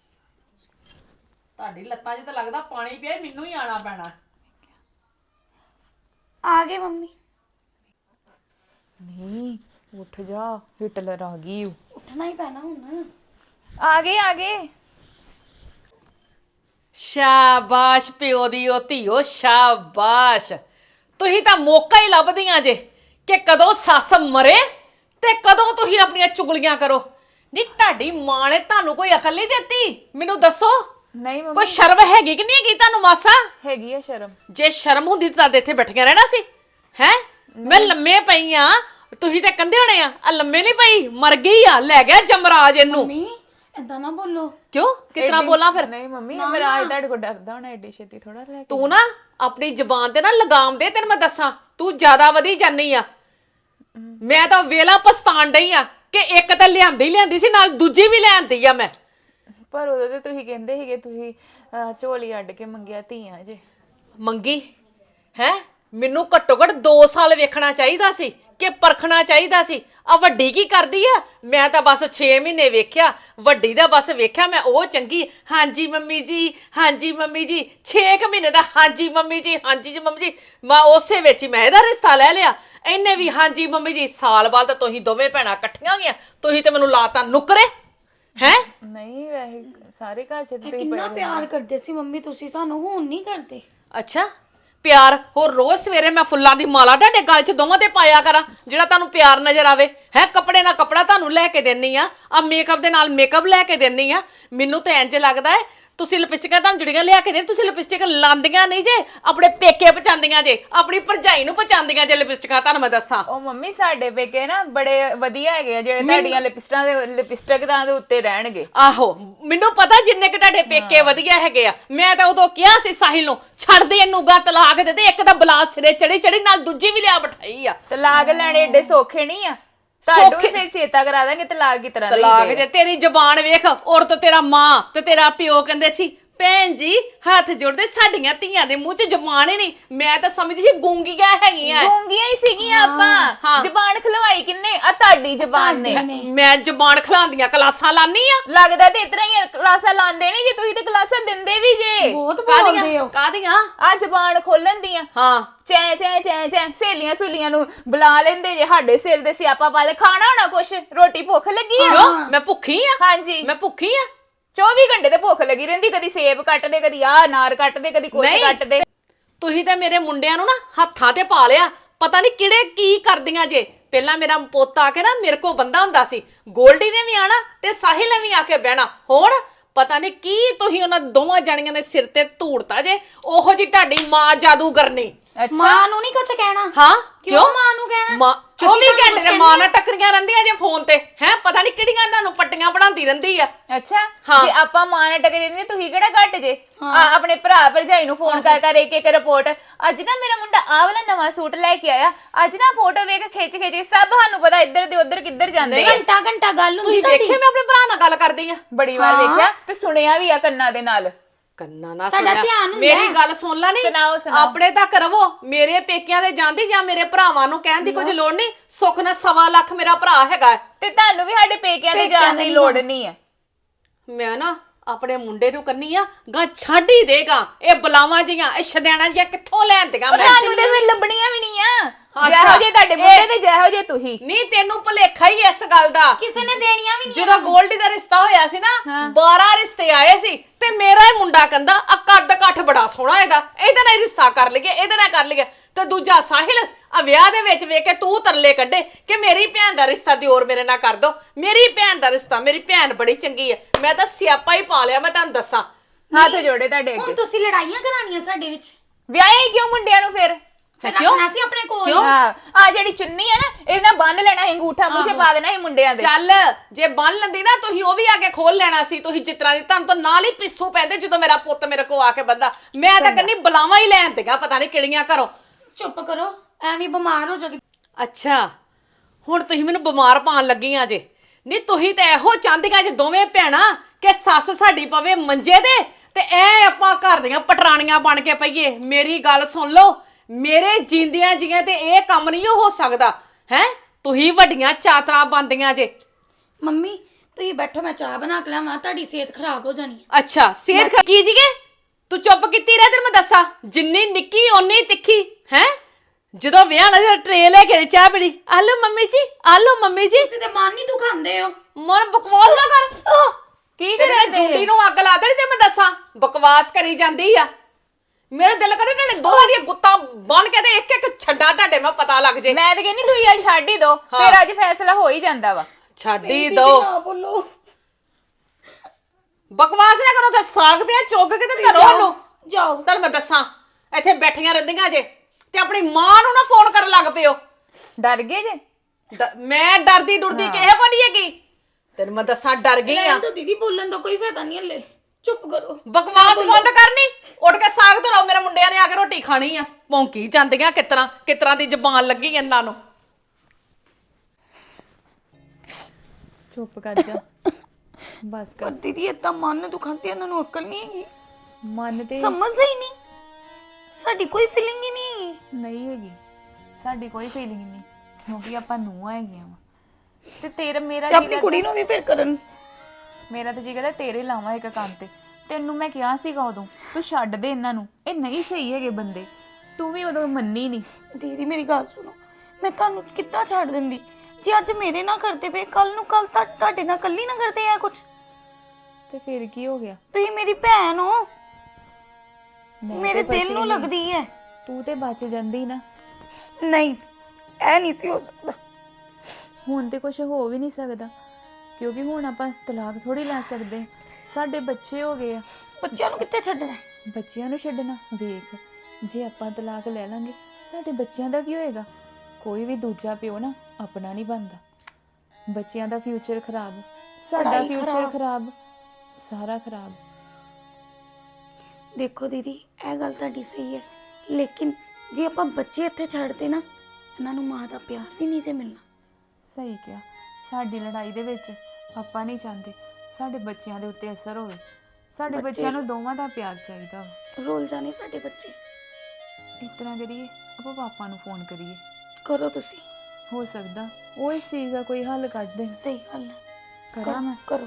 ਤੁਹਾਡੀ ਲੱਤਾਂ 'ਚ ਤਾਂ ਲੱਗਦਾ ਪਾਣੀ ਪਿਆ ਮੈਨੂੰ ਹੀ ਆਣਾ ਪੈਣਾ ਆ ਗਏ ਮੰਮੀ ਨਹੀਂ ਉੱਠ ਜਾ ਹਿਟਲਰ ਆ ਗਈ ਉੱਠਣਾ ਹੀ ਪੈਣਾ ਹੁਣ ਆ ਗਏ ਸ਼ਾਬਾਸ਼ ਪਿਓ ਦੀ ਉਹ ਧੀਓ ਸ਼ਾਬਾਸ਼ ਤੁਸੀਂ ਤਾਂ ਮੌਕਾ ਹੀ ਲੱਭਦੀਆਂ ਜੇ ਕਿ ਕਦੋਂ ਸੱਸ ਮਰੇ ਤੇ ਕਦੋਂ ਤੁਸੀਂ ਆਪਣੀਆਂ ਚੁਗਲੀਆਂ ਕਰੋ ਨੀ ਤੁਹਾਡੀ ਮਾਂ ਨੇ ਤੁਹਾਨੂੰ ਕੋਈ ਅਕਲ ਨਹੀਂ ਦਿੱਤੀ ਮੈਨੂੰ ਦੱਸੋ ਨਹੀਂ ਮੰਮੀ ਕੋਈ ਸ਼ਰਮ ਹੈਗੀ ਕਿ ਨਹੀਂ ਹੈਗੀ ਤੁਹਾਨੂੰ ਮਾਸਾ ਹੈਗੀ ਆ ਸ਼ਰਮ ਜੇ ਸ਼ਰਮ ਹੁੰਦੀ ਤਾਂ ਇੱਥੇ ਬੈਠੀਆਂ ਰਹਿਣਾ ਸੀ ਹੈ ਮੈਂ ਲੰਮੇ ਪਈ ਆ ਤੁਸੀਂ ਤੇ ਕੰਦੇ ਹੋਣੇ ਆ ਲੰਮੇ ਨਹੀਂ ਪਈ ਮਰ ਗਈ ਆ ਲੈ ਗਿਆ ਜਮਰਾਜ ਇਹਨੂੰ ਮੰਮੀ ਏਦਾਂ ਨਾ ਬੋਲੋ ਕਿਉਂ ਕਿਤਨਾ ਬੋਲਾਂ ਫਿਰ? ਨਹੀਂ ਮੰਮੀ ਮਹਾਰਾਜ ਤੁਹਾਡੇ ਕੋਲ ਡਰਦਾ ਹੋਣਾ ਏਡੀ ਛੇਤੀ ਥੋੜਾ ਲੈ ਕੇ। ਤੂੰ ਨਾ ਆਪਣੀ ਜ਼ੁਬਾਨ ਤੇ ਨਾ ਲਗਾਮ ਦੇ, ਤੈਨੂੰ ਮੈਂ ਦੱਸਾਂ ਤੂੰ ਜ਼ਿਆਦਾ ਵਧੀ ਜਾਨੀ ਆ। ਮੈਂ ਤਾਂ ਵੇਲਾ ਪਛਤਾਣ ਡਈ ਆ ਕਿ ਇੱਕ ਤਾਂ ਲਿਆਂਦੀ ਸੀ ਨਾਲ ਦੂਜੀ ਵੀ ਲਿਆਂਦੀ ਆ ਮੈਂ। ਪਰ ਉਦੋਂ ਤੇ ਤੁਸੀਂ ਕਹਿੰਦੇ ਸੀਗੇ ਤੁਸੀਂ ਝੋਲੀ ਅੱਡ ਕੇ ਮੰਗਿਆ ਧੀਆਂ ਜੇ। ਮੰਗੀ ਹੈ? ਮੈਨੂੰ ਘੱਟੋ ਘੱਟ 2 ਸਾਲ ਵੇਖਣਾ ਚਾਹੀਦਾ ਸੀ ਕਿ ਪਰਖਣਾ ਚਾਹੀਦਾ ਸੀ। ਆ ਵੱਡੀ ਕੀ ਕਰਦੀ ਆ? ਮੈਂ ਤਾਂ ਬਸ 6 ਮਹੀਨੇ ਵੇਖਿਆ, ਵੱਡੀ ਦਾ ਬਸ ਵੇਖਿਆ ਮੈਂ ਉਹ ਚੰਗੀ, ਹਾਂਜੀ ਮੰਮੀ ਜੀ, ਹਾਂਜੀ ਮੰਮੀ ਜੀ। 6 ਮਹੀਨੇ ਦਾ ਹਾਂਜੀ ਮੰਮੀ ਜੀ, ਹਾਂਜੀ ਜੀ ਮੰਮੀ ਜੀ। ਮੈਂ ਉਸੇ ਵਿੱਚ ਹੀ ਮੈਂ ਇਹਦਾ ਰਿਸ਼ਤਾ ਲੈ ਲਿਆ। ਇਹਨੇ ਵੀ ਹਾਂਜੀ ਮੰਮੀ ਜੀ। ਸਾਲ ਬਾਅਦ ਤਾਂ ਤੁਸੀਂ ਦੋਵੇਂ ਭੈਣਾਂ ਇਕੱਠੀਆਂ ਗਈਆਂ, ਤੁਸੀਂ ਤੇ ਮੈਨੂੰ ਲਾਤਾ ਨੁਕਰੇ ਹੈ। ਨਹੀਂ ਵੈਸੇ ਸਾਰੇ ਘਰ ਚ ਤੇ ਕਿੰਨਾ ਪਿਆਰ ਕਰਦੇ ਸੀ ਮੰਮੀ ਤੁਸੀਂ ਸਾਨੂੰ, ਹੁਣ ਨਹੀਂ ਕਰਦੇ। ਅੱਛਾ ਪਿਆਰ ਹੋਰ ਰੋਜ਼ ਸਵੇਰੇ ਮੈਂ ਫੁੱਲਾਂ ਦੀ ਮਾਲਾ ਤੁਹਾਡੇ ਗਲ 'ਚ ਦੋਵਾਂ ਤੇ ਪਾਇਆ ਕਰਾਂ ਜਿਹੜਾ ਤੁਹਾਨੂੰ ਪਿਆਰ ਨਜ਼ਰ ਆਵੇ ਹੈ? ਕੱਪੜੇ ਨਾਲ ਕੱਪੜਾ ਤੁਹਾਨੂੰ ਲੈ ਕੇ ਦੇਣੀ ਆ ਮੇਕਅਪ ਦੇ ਨਾਲ ਮੇਕਅਪ ਲੈ ਕੇ ਦੇਣੀ ਆ। ਮੈਨੂੰ ਤਾਂ ਇੰਜ ਲੱਗਦਾ ਹੈ ਤੁਸੀਂ ਲਿਪਸਟਿਕਾਂ ਤੁਹਾਨੂੰ ਜੁੜੀਆਂ ਲਿਆ ਕੇ ਦੇ, ਤੁਸੀਂ ਲਿਪਸਟਿਕ ਲਾਂਦੀਆਂ ਨਹੀਂ ਜੇ, ਆਪਣੇ ਪੇਕੇ ਪਚਾਉਂਦੀਆਂ ਜੇ, ਆਪਣੀ ਭਰਜਾਈ ਨੂੰ ਪਚਾਉਂਦੀਆਂ ਜੇ ਲਿਪਸਟਿਕਾਂ। ਤੁਹਾਨੂੰ ਮੈਂ ਦੱਸਾਂ ਉਹ ਮੰਮੀ ਸਾਡੇ ਪੇਕੇ ਨਾ ਬੜੇ ਵਧੀਆ ਹੈਗੇ ਆ ਜਿਹੜੇ ਤੁਹਾਡੀਆਂ ਲਿਪਸਟਿਕ ਦੇ ਉੱਤੇ ਰਹਿਣਗੇ। ਆਹੋ ਮੈਨੂੰ ਪਤਾ ਜਿੰਨੇ ਕਿ ਤੁਹਾਡੇ ਪੇਕੇ ਵਧੀਆ ਹੈਗੇ ਆ। ਮੈਂ ਤਾਂ ਉਦੋਂ ਕਿਹਾ ਸੀ ਸਾਹਿਲ ਨੂੰ ਛੱਡ ਦੇ ਇਹਨੂੰ, ਗਾ ਤਲਾਕ ਦੇ ਦੇ। ਇੱਕ ਤਾਂ ਬਲਾਸ ਸਿਰੇ ਚੜੀ ਨਾਲ ਦੂਜੀ ਵੀ ਲਿਆ ਬਿਠਾਈ ਆ। ਤਲਾਕ ਲੈਣੇ ਏਡੇ ਸੌਖੇ ਨਹੀਂ ਆ। ਤੁਹਾਨੂੰ ਵੀ ਫਿਰ ਚੇਤਾ ਕਰਾ ਦਾਂਗੇ ਤਲਾਕ ਕੀ ਤਰ੍ਹਾਂ ਤਲਾਕ ਜੇ ਤੇਰੀ ਜ਼ਬਾਨ ਵੇਖ। ਔਰ ਤੇਰਾ ਮਾਂ ਤੇ ਤੇਰਾ ਪਿਓ ਕਹਿੰਦੇ ਸੀ ਭੈਣ ਜੀ ਹੱਥ ਜੋੜਦੇ, ਸਾਡੀਆਂ ਧੀਆਂ ਦੇ ਮੂੰਹ 'ਚ ਜ਼ਬਾਨ ਹੀ ਨਹੀਂ। ਮੈਂ ਤਾਂ ਸਮਝਦੀ ਸੀ ਗੂੰਗੀਆਂ ਹੈਗੀਆਂ। ਗੂੰਗੀਆਂ ਹੀ ਸੀਗੀਆਂ ਆਪਾਂ। ਜ਼ਬਾਨ ਖਲਵਾਈ ਕਿੰਨੇ? ਆ ਤੁਹਾਡੀ ਜ਼ਬਾਨ ਨੇ। ਮੈਂ ਜ਼ਬਾਨ ਖਲਾਉਂਦੀਆਂ ਕਲਾਸਾਂ ਲਾਨੀ ਆ। ਲੱਗਦਾ ਤੇ ਇਤਨਾ ਹੀ ਕਲਾਸਾਂ ਲਾਉਂਦੇ ਨਹੀਂ ਜੇ, ਤੁਸੀਂ ਤੇ ਕਲਾਸਾਂ ਦਿੰਦੇ ਵੀ ਜੇ। ਬਹੁਤ ਬੋਲਦੇ ਹੋ। ਕਾਦੀਆਂ? ਆ ਜ਼ਬਾਨ ਖੋਲਣ ਦੀਆਂ। ਹਾਂ ਚੈ ਚੈ ਚੈ ਚੈ ਸਹੇਲੀਆਂ ਸੁਲੀਆਂ ਨੂੰ ਬੁਲਾ ਲੈਂਦੇ ਜੇ। ਸਾਡੇ ਸਿਰ ਦੇ ਸਿਆਪਾ ਪਾ ਲੈ। ਖਾਣਾ ਹੋਣਾ ਕੁਛ, ਰੋਟੀ ਭੁੱਖ ਲੱਗੀ ਆ? ਕਿਉਂ ਮੈਂ ਭੁੱਖੀ ਆ? ਹਾਂਜੀ ਮੈਂ ਭੁੱਖੀ ਆ। 24 ਘੰਟੇ ਤੇ ਭੁੱਖ ਲੱਗੀ ਰਹਿੰਦੀ। ਕਦੀ ਸੇਬ ਕੱਟਦੇ, ਕਦੀ ਆ ਅਨਾਰ ਕੱਟਦੇ, ਕਦੀ ਕੁਛ ਕੱਟਦੇ। ਤੁਸੀਂ ਤਾਂ ਮੇਰੇ ਮੁੰਡਿਆਂ ਨੂੰ ਨਾ ਹੱਥਾਂ ਤੇ ਪਾ ਲਿਆ। ਪਤਾ ਨਹੀਂ ਕਿਹੜੇ ਕੀ ਕਰਦੀਆਂ ਜੇ। ਪਹਿਲਾਂ ਮੇਰਾ ਪੁੱਤ ਆ ਕੇ ਨਾ ਮੇਰੇ ਕੋ ਬੰਦਾ ਹੁੰਦਾ ਸੀ, ਗੋਲਡੀ ਨੇ ਵੀ ਆਣਾ ਤੇ ਸਾਹਿਲ ਨੇ ਵੀ ਆ ਕੇ ਬਹਿਣਾ। ਹੁਣ ਪਤਾ ਨਹੀਂ ਕੀ ਤੁਸੀਂ ਉਹਨਾਂ ਦੋਵਾਂ ਜਣੀਆਂ ਨੇ ਸਿਰ ਤੇ ਧੂੜਤਾ ਜੇ। ਉਹੋ ਜੀ ਤੁਹਾਡੀ ਮਾਂ ਜਾਦੂਗਰਨੀ। ਮਾਂ ਨੂੰ ਨਹੀਂ ਕੁਝ ਕਹਿਣਾ? ਹਾਂ ਕਿਉਂ ਮਾਂ ਨੂੰ ਕਹਿਣਾ? ਮਾਂ 24 ਘੰਟੇ ਦੇ ਮਾਂ ਨਾਲ ਟੱਕਰੀਆਂ ਰਹਿੰਦੀਆਂ ਜੇ ਫੋਨ ਤੇ ਹੈ। ਪਤਾ ਨਹੀਂ ਕਿਹੜੀਆਂ ਇਹਨਾਂ ਨੂੰ ਪੱਟੀਆਂ ਪੜਾਉਂਦੀ ਰਹਿੰਦੀ ਆ। ਅੱਛਾ ਜੇ ਆਪਾਂ ਮਾਂ ਨਾਲ ਟਕਰੇ ਨਹੀਂ, ਤੁਸੀਂ ਕਿਹੜਾ ਘੱਟ ਜੇ? ਆਪਣੇ ਭਰਾ ਭਰਜਾਈ ਨੂੰ ਫੋਨ ਕਰ ਕਰ ਇੱਕ ਰਿਪੋਰਟ। ਅੱਜ ਨਾ ਮੇਰਾ ਮੁੰਡਾ ਆਹ ਵਾਲਾ ਨਵਾਂ ਸੂਟ ਲੈ ਕੇ ਆਇਆ, ਅੱਜ ਨਾ ਫੋਟੋ ਵੇਖ ਖਿੱਚ ਸਭ ਸਾਨੂੰ ਪਤਾ ਇੱਧਰ ਦੇ ਉੱਧਰ ਕਿੱਧਰ ਜਾਂਦੇ। ਘੰਟਾ ਘੰਟਾ ਗੱਲ ਹੁੰਦੀ ਤੁਸੀਂ ਵੇਖਿਆ ਮੈਂ ਆਪਣੇ ਭਰਾ ਨਾਲ ਗੱਲ ਕਰਦੀ ਆ? ਬੜੀ ਵਾਰ ਵੇਖਿਆ ਤੇ ਸੁਣਿਆ ਵੀ ਆ ਕੰਨਾਂ ਦੇ ਨਾਲ। ਕੰਨਾਂ ਨਾਲ ਸਾਡਾ ਸੁਣਿਆ। ਧਿਆਨ ਹੁੰਦਾ। ਮੇਰੀ ਗੱਲ ਸੁਣ ਲੈ ਨਹੀਂ, ਸੁਣਾਓ। ਆਪਣੇ ਤੱਕ ਰਵੋ। ਮੇਰੇ ਪੇਕਿਆਂ ਦੇ ਜਾਂਦੀ ਜਾਂ ਮੇਰੇ ਭਰਾਵਾਂ ਨੂੰ ਕਹਿਣ ਦੀ ਕੁਝ ਲੋੜ ਨਹੀਂ। ਸੁੱਖ ਨਾਲ 1.25 ਲੱਖ ਮੇਰਾ ਭਰਾ ਹੈਗਾ। ਤੇ ਤੁਹਾਨੂੰ ਵੀ ਸਾਡੇ ਪੇਕਿਆਂ ਦੇ ਜਾਣ ਦੀ ਲੋੜ ਨਹੀਂ ਆ। ਮੈਂ ਨਾ ਆਪਣੇ ਮੁੰਡੇ ਨੂੰ ਕੰਨੀ ਆ ਗਾ ਛੱਡ ਹੀ ਦੇਗਾ। ਇਹ ਬਲਾਵਾਂ ਜੀਆਂ ਇਹ ਛਦੈਣਾ ਜੀਆਂ ਕਿੱਥੋਂ ਲੈਂਦੀਆਂ ਮੈਂ? ਤੁਹਾਨੂੰ ਤੇ ਫਿਰ ਲੱਭਣੀਆਂ ਵੀ ਨਹੀਂ ਆ। ਜਿਹੋ ਜੇ ਤੁਹਾਡੇ ਮੁੰਡੇ ਤੇ ਜਿਹੋ ਜੇ ਤੁਸੀਂ। ਨਹੀਂ ਤੈਨੂੰ ਭੁਲੇਖਾ ਹੀ ਇਸ ਗੱਲ ਦਾ। ਕਿਸੇ ਨੇ ਦੇਣੀਆਂ ਵੀ ਨਹੀਂ। ਜਦੋਂ ਗੋਲਡੀ ਦਾ ਰਿਸ਼ਤਾ ਹੋਇਆ ਸੀ ਨਾ 12 ਰਿਸ਼ਤੇ ਆਏ ਸੀ ਤੇ ਮੇਰਾ ਹੀ ਮੁੰਡਾ ਕਹਿੰਦਾ ਆ ਕੱਦ ਕੱਠ ਬੜਾ ਸੋਹਣਾ ਇਹਦਾ ਨਾਲ ਹੀ ਰਿਸ਼ਤਾ ਕਰ ਲਈਏ, ਇਹਦੇ ਨਾਲ ਕਰ ਲਈਏ। ਤੇ ਦੂਜਾ ਸਾਹਿਲ ਆ ਵਿਆਹ ਦੇ ਵਿੱਚ ਵੇਖ ਕੇ ਤੂੰ ਤਰਲੇ ਕੱਢੇ ਕਿ ਮੇਰੀ ਭੈਣ ਦਾ ਰਿਸ਼ਤਾ ਦਿਓਰ ਮੇਰੇ ਨਾਲ ਕਰ ਦੋ। ਮੇਰੀ ਭੈਣ ਦਾ ਰਿਸ਼ਤਾ, ਮੇਰੀ ਭੈਣ ਬੜੀ ਚੰਗੀ ਹੈ। ਮੈਂ ਤਾਂ ਸਿਆਪਾ ਹੀ ਪਾ ਲਿਆ। ਮੈਂ ਤੁਹਾਨੂੰ ਦੱਸਾਂ ਹੱਥ ਜੋੜੇ ਤੁਹਾਡੇ ਹੁਣ ਅੱਗੇ। ਤੁਸੀਂ ਲੜਾਈਆਂ ਕਰਾਣੀਆਂ ਸਾਡੇ ਵਿੱਚ। ਵਿਆਹੇ ਕਿਉਂ ਮੁੰਡਿਆਂ ਨੂੰ ਫਿਰ? ਰੱਖਣਾ ਸੀ ਆਪਣੇ ਕੋਲ। ਹਾਂ ਆ ਜਿਹੜੀ ਚੁੰਨੀ ਹੈ ਨਾ ਇਹ ਨਾ ਬੰਨ ਲੈਣਾ ਸੀ, ਅੰਗੂਠਾ ਮੂੰਹ 'ਚ ਪਾ ਦੇਣਾ ਸੀ ਮੁੰਡਿਆਂ ਦੇ। ਚੱਲ ਜੇ ਬੰਨ ਲੈਂਦੀ ਨਾ ਤੁਸੀਂ ਉਹ ਵੀ ਆ ਕੇ ਖੋਲ ਲੈਣਾ ਸੀ। ਤੁਸੀਂ ਜਿਤਨਾ ਦੀ ਤੁਹਾਨੂੰ ਤਾਂ ਨਾਲ ਹੀ ਪਿੱਸੂ ਪੈਂਦੇ ਜਦੋਂ ਮੇਰਾ ਪੁੱਤ ਮੇਰੇ ਕੋ ਆ ਕੇ ਬੰਦਾ। ਮੈਂ ਤਾਂ ਕਹਿੰਦੀ ਬਲਾਵਾਂ ਹੀ ਲੈਣ ਤੇਗਾ ਪਤਾ ਨਹੀਂ ਕਿਹੜੀਆਂ ਘਰੋਂ। ਚੁੱਪ ਕਰੋ, ਐਵੇਂ ਬਿਮਾਰ ਹੋ ਜਾਓਗੇ। ਅੱਛਾ ਹੁਣ ਤੁਸੀਂ ਮੈਨੂੰ ਬਿਮਾਰ ਪਾਣ ਲੱਗੀਆਂ ਜੇ। ਨਹੀਂ ਤੁਸੀਂ ਤਾਂ ਇਹੋ ਚਾਹੁੰਦੀਆਂ ਜੇ ਦੋਵੇਂ ਭੈਣਾਂ ਕਿ ਸੱਸ ਸਾਡੀ ਪਵੇ ਮੰਜੇ ਦੇ ਤੇ ਐ ਆਪਾਂ ਘਰ ਦੀਆਂ ਪਟਰਾਣੀਆਂ ਬਣ ਕੇ ਪਈਏ। ਮੇਰੀ ਗੱਲ ਸੁਣ ਲਓ, ਮੇਰੇ ਜਿੰਦਿਆਂ ਜੀਆਂ ਤੇ ਇਹ ਕੰਮ ਨਹੀਂ ਹੋ ਸਕਦਾ ਹੈ। ਤੁਸੀਂ ਵੱਡੀਆਂ ਚਾਤਰਾ ਬੰਦੀਆਂ ਜੇ। ਮੰਮੀ ਤੁਸੀਂ ਬੈਠੋ, ਮੈਂ ਚਾਹ ਬਣਾ ਕੇ ਲਿਆਵਾਂ। ਤੁਹਾਡੀ ਸਿਹਤ ਖਰਾਬ ਹੋ ਜਾਣੀ ਹੈ। ਅੱਛਾ ਸਿਹਤ ਕੀ ਜੀਗੇ? ਤੂੰ ਚੁੱਪ ਕੀਤੀ ਰਹਿ, ਤੈਨੂੰ ਮੈਂ ਦੱਸਾਂ ਜਿੰਨੀ ਨਿੱਕੀ ਓਨੀ ਤਿੱਖੀ ਹੈ। ਜਦੋਂ ਵਿਆਹ ਨਾਲ ਟਰੇ ਲੈ ਕੇ ਚਾਹ ਪੀਣੀ, ਆਲੋ ਮੰਮੀ ਜੀ, ਆਲੋ ਮੰਮੀ ਜੀ। ਤੁਸੀਂ ਤੇ ਮਨ ਨਹੀਂ ਤੂੰ ਖਾਂਦੇ ਹੋ। ਮਨ ਬਕਵਾਸ ਨਾ ਕਰ। ਕੀ ਤੇਰੇ ਕਰਦੇ ਜੁੰਡੀ ਨੂੰ ਅੱਗ ਲਾ ਦੇਣੀ ਤੇ ਮੈਂ ਦੱਸਾਂ ਬਕਵਾਸ ਕਰੀ ਜਾਂਦੀ ਆ। ਮੇਰੇ ਦਿਲ ਕਰੇ ਤੁਹਾਡੇ ਦੋਹਾਂ ਦੀਆਂ ਗੁੱਤਾਂ ਬਣ ਕੇ ਤੇ ਇੱਕ ਇੱਕ ਛੱਡਾ ਤੁਹਾਡੇ ਮੈਂ ਪਤਾ ਲੱਗ ਜੇ। ਮੈਂ ਤਾਂ ਕਹਿੰਦੀ ਤੁਸੀਂ ਆ ਛੱਡ ਹੀ ਦੋ, ਫਿਰ ਅੱਜ ਫੈਸਲਾ ਹੋ ਹੀ ਜਾਂਦਾ ਵਾ। ਛੱਡ ਹੀ ਦੋ। ਨਾ ਬੋਲੋ, ਬਕਵਾਸ ਨਾ ਕਰੋ ਤੇ ਸਾਗ ਪਿਆ ਚੁੱਗ ਕੇ ਤੇ ਧਰੋ ਉਹਨੂੰ। ਜਾਓ। ਤੁਹਾਨੂੰ ਮੈਂ ਦੱਸਾਂ ਇੱਥੇ ਬੈਠੀਆਂ ਰਹਿੰਦੀਆਂ ਜੇ ਤੇ ਆਪਣੀ ਮਾਂ ਨੂੰ ਨਾ ਫੋਨ ਕਰਨ ਲੱਗ ਪਿਓ। ਡਰ ਗਏ ਜੇ? ਮੈਂ ਡਰਦੀ ਡੁਰਦੀ ਕਿਸੇ ਕੋ ਨਹੀਂ ਹੈਗੀ। ਤੈਨੂੰ ਮੈਂ ਦੱਸਾਂ ਡਰ ਗਈ ਆ ਰਹਿਣ ਦਿਓ ਦੀਦੀ, ਬੋਲਣ ਦਾ ਕੋਈ ਫਾਇਦਾ ਨਹੀਂ ਹਲੇ, ਚੁੱਪ ਕਰੋ। ਬਕਵਾਸ ਬੰਦ ਕਰਨੀ। ਉੱਠ ਕੇ ਸਾਗ ਧਰਾਓ, ਮੇਰੇ ਮੁੰਡਿਆਂ ਨੇ ਆ ਕੇ ਰੋਟੀ ਖਾਣੀ ਆ। ਭੌਂਕੀ ਜਾਂਦੀਆਂ ਕਿਤਰਾ ਦੀ ਜ਼ਬਾਨ ਲੱਗੀ ਇਹਨਾਂ ਨੂੰ। ਚੁੱਪ ਕਰ ਜਾ, ਬਸ ਪਰ ਕਰ। ਦੀਦੀ ਏਦਾਂ ਮਨ ਦੁਖਾਉਂਦੇ, ਇਹਨਾਂ ਨੂੰ ਅਕਲ ਨਹੀਂ ਹੈਗੀ, ਮਨ ਤੇ ਸਮਝਦੇ ਹੀ ਨਹੀਂ, ਸਾਡੀ ਕੋਈ ਫੀਲਿੰਗ ਹੀ ਨਹੀਂ ਹੈਗੀ। ਨਹੀਂ ਹੈਗੀ, ਸਾਡੀ ਕੋਈ ਫੀਲਿੰਗ ਨਹੀਂ, ਕਿਉਂਕਿ ਆਪਾਂ ਨੂੰਹਾਂ ਹੈਗੀਆਂ ਵਾ। ਤੇ ਤੇਰਾ ਮੇਰਾ ਤੇ ਆਪਣੀ ਕੁੜੀ ਨੂੰ ਵੀ ਫਿਰ ਕਰਨ। ਮੇਰਾ ਤਾਂ ਜੀ ਕਹਿੰਦਾ ਤੇਰੇ ਲਾਵਾਂ ਇੱਕ ਕੰਮ ਤੇ। ਤੈਨੂੰ ਮੈਂ ਕਿਹਾ ਸੀਗਾ ਉਦੋਂ, ਤੂੰ ਛੱਡ ਦੇ ਇਹਨਾਂ ਨੂੰ, ਇਹ ਨਹੀਂ ਸਹੀ ਹੈਗੇ ਬੰਦੇ। ਤੂੰ ਵੀ ਉਦੋਂ ਮੰਨੀ ਨਹੀਂ। ਦੀਦੀ ਮੇਰੀ ਗੱਲ ਸੁਣੋ, ਮੈਂ ਤੁਹਾਨੂੰ ਕਿੱਦਾਂ ਛੱਡ ਦਿੰਦੀ? ਜੇ ਅੱਜ ਮੇਰੇ ਨਾਲ ਕਰਦੇ ਪਏ, ਕੱਲ ਨੂੰ ਤੁਹਾਡੇ ਨਾਲ ਕੱਲੀ ਨਾ ਕਰਦੇ ਆ ਕੁਝ। ਤੇ ਫਿਰ ਕੀ ਹੋ ਗਿਆ? ਤੁਸੀਂ ਮੇਰੀ ਭੈਣ ਹੋ, ਮੈਂ ਮੇਰੇ ਤੇ ਦਿਲ ਬਚੀ ਨੂੰ ਨਹੀਂ। ਲੱਗਦੀ ਹੈ। ਤੂੰ ਤੇ ਬਚ ਜਾਂਦੀ ਨਾ। ਨਹੀਂ, ਇਹ ਨਹੀਂ ਸੀ ਹੋ ਸਕਦਾ। ਹੁਣ ਤੇ ਕੁਝ ਹੋ ਵੀ ਨਹੀਂ ਸਕਦਾ, ਕਿਉਂਕਿ ਹੁਣ ਆਪਾਂ ਤਲਾਕ ਥੋੜੀ ਲੈ ਸਕਦੇ। ਸਾਡੇ ਬੱਚੇ ਹੋ ਗਏ ਆ। ਬੱਚਿਆਂ ਨੂੰ ਕਿੱਥੇ ਛੱਡਣਾ ਹੈ? ਬੱਚਿਆਂ ਨੂੰ ਛੱਡਣਾ? ਵੇਖ, ਜੇ ਆਪਾਂ ਤਲਾਕ ਲੈ ਲਾਂਗੇ, ਸਾਡੇ ਬੱਚਿਆਂ ਦਾ ਕੀ ਹੋਏਗਾ? ਕੋਈ ਵੀ ਦੂਜਾ ਪਿਓ ਨਾ ਆਪਣਾ ਨਹੀਂ ਬਣਦਾ। ਬੱਚਿਆਂ ਦਾ ਫਿਊਚਰ ਖਰਾਬ, ਸਾਡਾ ਪੜ੍ਹਾਈ ਫਿਊਚਰ ਖਰਾਬ। ਖਰਾਬ, ਸਾਰਾ ਖਰਾਬ। ਦੇਖੋ ਦੀਦੀ, ਇਹ ਗੱਲ ਤੁਹਾਡੀ ਸਹੀ ਹੈ, ਲੇਕਿਨ ਜੇ ਆਪਾਂ ਬੱਚੇ ਇੱਥੇ ਛੱਡਦੇ ਨਾ, ਇਹਨਾਂ ਨੂੰ ਮਾਂ ਦਾ ਪਿਆਰ ਵੀ ਨਹੀਂ ਜੇ ਮਿਲਣਾ। ਸਹੀ ਕਿਹਾ। ਸਾਡੀ ਲੜਾਈ ਦੇ ਵਿੱਚ ਆਪਾਂ ਨਹੀਂ ਚਾਹੁੰਦੇ ਸਾਡੇ ਬੱਚਿਆਂ ਦੇ ਉੱਤੇ ਅਸਰ ਹੋਵੇ। ਸਾਡੇ ਬੱਚਿਆਂ ਨੂੰ ਦੋਵਾਂ ਦਾ ਪਿਆਰ ਚਾਹੀਦਾ ਵਾ। ਰੋਲ ਜਾਣੇ ਸਾਡੇ ਬੱਚੇ। ਇਸ ਤਰ੍ਹਾਂ ਕਰੀਏ, ਆਪਾਂ ਪਾਪਾ ਨੂੰ ਫੋਨ ਕਰੀਏ। ਕਰੋ ਤੁਸੀਂ। ਹੋ ਸਕਦਾ ਉਹ ਇਸ ਚੀਜ਼ ਦਾ ਕੋਈ ਹੱਲ ਕੱਢ ਦੇਣ। ਸਹੀ ਗੱਲ ਹੈ, ਕਰਾਂ ਮੈਂ? ਕਰੋ।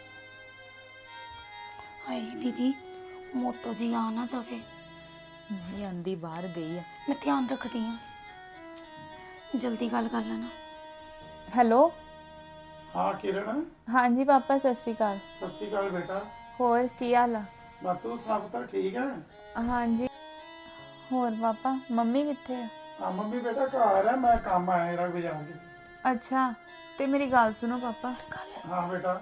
ਹਾਏ ਦੀਦੀ, ਮੋਟੋ ਜੀ ਆ ਨਾ ਜਾਵੇ। ਨਹੀਂ ਆਂਦੀ, ਬਾਹਰ ਗਈ ਆ। ਮੈਂ ਧਿਆਨ ਰੱਖਦੀ ਹਾਂ, ਜਲਦੀ ਗੱਲ ਕਰ ਲੈਣਾ। ਹੈਲੋ। ਹਾਂ ਕਿਰਨ, ਹਾਂਜੀ ਪਾਪਾ, ਸਤਿ ਸ਼੍ਰੀ ਅਕਾਲ। ਸਤਿ ਸ਼੍ਰੀ ਅਕਾਲ ਬੇਟਾ। ਹੋਰ ਕੀ ਹਾਲ ਆ? ਮੈਂ ਤੂੰ ਸੁਣਾ ਪੁੱਤਰ, ਠੀਕ ਹੈ? ਹਾਂਜੀ। ਹੋਰ ਪਾਪਾ, ਮੰਮੀ ਕਿੱਥੇ ਆ? ਹਾਂ ਮੰਮੀ ਬੇਟਾ ਘਰ ਹੈ, ਮੈਂ ਕੰਮ ਆਇਆ ਜਰਾ ਬਾਜ਼ਾਰ ਦੇ। ਅੱਛਾ, ਤੇ ਮੇਰੀ ਗੱਲ ਸੁਣੋ ਪਾਪਾ। ਹਾਂ ਬੇਟਾ।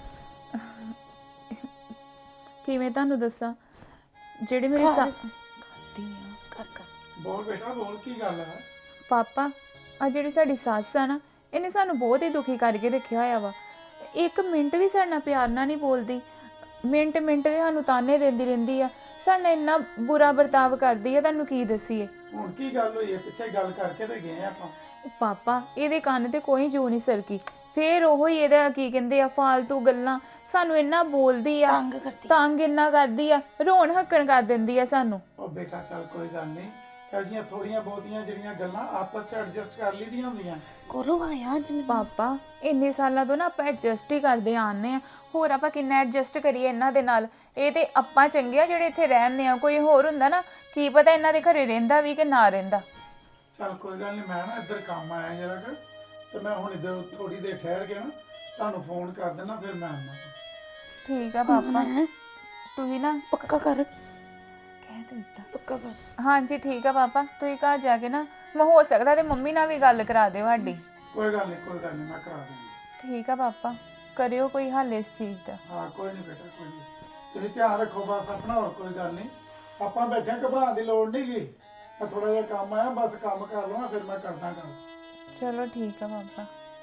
ਕਿਵੇਂ ਤੁਹਾਨੂੰ ਦੱਸਾਂ, ਜਿਹੜੇ ਮੇਰੇ ਕਰ ਬੋਲ ਬੇਟਾ ਬੋਲ, ਕੀ ਗੱਲ ਹੈ? ਪਾਪਾ, ਆ ਜਿਹੜੀ ਸਾਡੀ ਸੱਸ ਆ ਨਾ, ਇਹਨੇ ਸਾਨੂੰ ਬਹੁਤ ਹੀ ਦੁਖੀ ਕਰਕੇ ਰੱਖਿਆ ਹੋਇਆ ਵਾ। ਇੱਕ ਮਿੰਟ ਵੀ ਸਾਡੇ ਨਾਲ ਪਿਆਰ ਨਾਲ ਨਹੀਂ ਬੋਲਦੀ। ਮਿੰਟ ਮਿੰਟ ਦੇ ਸਾਨੂੰ ਤਾਨੇ ਦਿੰਦੀ ਰਹਿੰਦੀ ਆ। ਸਾਡੇ ਨਾਲ ਇੰਨਾ ਬੁਰਾ ਵਰਤਾਵ ਕਰਦੀ ਆ, ਤੁਹਾਨੂੰ ਕੀ ਦੱਸੀਏ। ਹੁਣ ਕੀ ਗੱਲ ਹੋਈ ਹੈ? ਪਿੱਛੇ ਗੱਲ ਕਰਕੇ ਤੇ ਗਏ ਆਪਾਂ। ਪਾਪਾ, ਇਹਦੇ ਕੰਨ ਤੇ ਕੋਈ ਜੂ ਨਹੀਂ ਸਰਕੀ। ਫੇਰ ਉਹੋ ਹੀ ਇਹਦਾ ਕੀ ਕਹਿੰਦੇ ਆ, ਫਾਲਤੂ ਗੱਲਾਂ। ਸਾਨੂੰ ਇੰਨਾ ਬੋਲਦੀ ਆ, ਤੰਗ ਕਰਦੀ। ਤੰਗ ਇੰਨਾ ਕਰਦੀ ਆ, ਰੋਣ ਹੱਕਣ ਕਰ ਦਿੰਦੀ ਆ ਸਾਨੂੰ। ਉਹ ਬੇਟਾ ਚੱਲ ਕੋਈ ਗੱਲ ਨਹੀਂ, ਇਹੋ ਜਿਹੀਆਂ ਥੋੜੀਆਂ ਬਹੁਤੀਆਂ ਜਿਹੜੀਆਂ ਗੱਲਾਂ ਆਪਸ 'ਚ ਐਡਜਸਟ ਕਰ ਲਈਆਂ ਹੁੰਦੀਆਂ। ਕਰੋ ਆਇਆ ਅੱਜ ਮੈਨੂੰ। ਪਾਪਾ, ਇੰਨੇ ਸਾਲਾਂ ਤੋਂ ਨਾ ਆਪਾਂ ਐਡਜਸਟ ਹੀ ਕਰਦੇ ਆਉਂਦੇ ਆ। ਹੋਰ ਆਪਾਂ ਕਿੰਨਾ ਐਡਜਸਟ ਕਰੀਏ ਇਹਨਾਂ ਦੇ ਨਾਲ। ਇਹ ਤੇ ਆਪਾਂ ਚੰਗੇ ਆ ਜਿਹੜੇ ਇੱਥੇ ਰਹਿੰਦੇ ਆ। ਕੋਈ ਹੋਰ ਹੁੰਦਾ ਨਾ, ਕੀ ਪਤਾ ਇਹਨਾਂ ਦੇ ਘਰੇ ਰਹਿੰਦਾ ਵੀ ਕਿ ਨਾ ਰਹਿੰਦਾ। ਚੱਲ ਕੋਈ ਗੱਲ ਨਹੀਂ, ਮੈਂ ਨਾ ਇੱਧਰ ਕੰਮ ਆਇਆ ਜਰਾ ਕਿ, ਤੇ ਮੈਂ ਹੁਣ ਇੱਧਰ ਥੋੜੀ ਦੇਰ ਠਹਿਰ ਕੇ ਨਾ ਤੁਹਾਨੂੰ ਫੋਨ ਕਰ ਦੇਣਾ, ਫਿਰ ਮੈਂ ਆਉਣਾ। ਠੀਕ ਆ ਪਾਪਾ, ਤੁਸੀਂ ਨਾ ਪੱਕਾ ਕਰ, ਕਹਿ ਦਿੱਤਾ। ਪੱਕਾ ਕਰ। ਹਾਂਜੀ ਠੀਕ ਆ ਪਾਪਾ, ਤੁਸੀਂ ਘਰ ਜਾ ਕੇ ਨਾ, ਮੈਂ ਹੋ ਸਕਦਾ ਤੇ ਮੰਮੀ ਨਾਲ ਵੀ ਗੱਲ ਕਰਾ ਦਿਓ ਸਾਡੀ। ਕੋਈ ਗੱਲ ਨਹੀਂ, ਮੈਂ ਕਰਾ ਦਿੰਦਾ। ਠੀਕ ਆ ਪਾਪਾ, ਕਰਿਓ ਕੋਈ ਹੱਲ ਇਸ ਚੀਜ਼ ਦਾ। ਹਾਂ ਕੋਈ ਨਹੀਂ ਬੇਟਾ, ਕੋਈ ਨਹੀਂ। ਤੁਸੀਂ ਧਿਆਨ ਰੱਖੋ ਬਸ ਆਪਣਾ, ਹੋਰ ਕੋਈ ਗੱਲ ਨਹੀਂ। ਆਪਾਂ ਬੈਠੇ, ਘਬਰਾਉਣ ਦੀ ਲੋੜ ਨਹੀਂ ਗੀ। ਮੈਂ ਥੋੜਾ ਜਿਹਾ ਕੰਮ ਆਇਆ, ਬਸ ਕੰਮ ਕਰ ਲਵਾਂ, ਫਿਰ ਮੈਂ ਕਰਦਾ ਗੱਲ। ਚਲੋ ਠੀਕ ਆ ਪਾਪਾ।